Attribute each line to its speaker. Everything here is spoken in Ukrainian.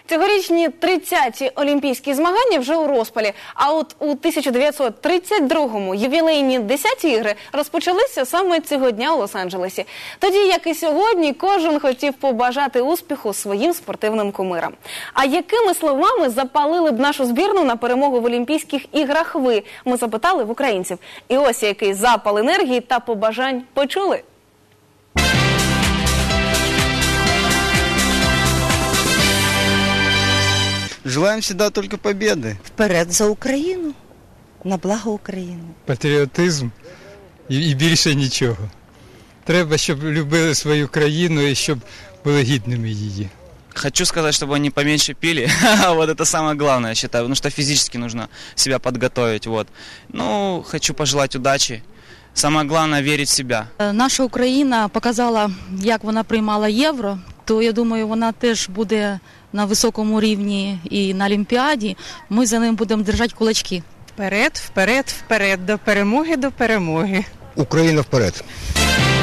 Speaker 1: Цьогорічні 30-ті олімпійські змагання вже у розпалі. А от у 1932-му ювілейні 10-ті ігри розпочалися саме цього дня у Лос-Анджелесі. Тоді, як і сьогодні, кожен хотів побажати успіху своїм спортивним кумирам. А якими словами запалили б нашу збірну на перемогу в Олімпійських іграх ви? Ми запитали в українців. І ось який запал енергії та побажань почули.
Speaker 2: Желаем всегда только победы.
Speaker 3: Вперед за Україну, на благо України.
Speaker 4: Патріотизм і більше нічого. Треба, щоб любили свою країну і щоб були гідними її.
Speaker 5: Хочу сказать, чтобы они поменьше пили, вот это самое главное, я считаю, потому что физически нужно себя подготовить, вот. Ну, хочу пожелать удачи, самое главное верить в себя.
Speaker 6: Наша Україна показала, як вона приймала євро, то я думаю, вона теж буде на високому рівні і на Олімпіаді. Ми за ним будемо держати кулачки.
Speaker 7: Вперед, вперед, вперед, до перемоги, до перемоги.
Speaker 8: Україна вперед!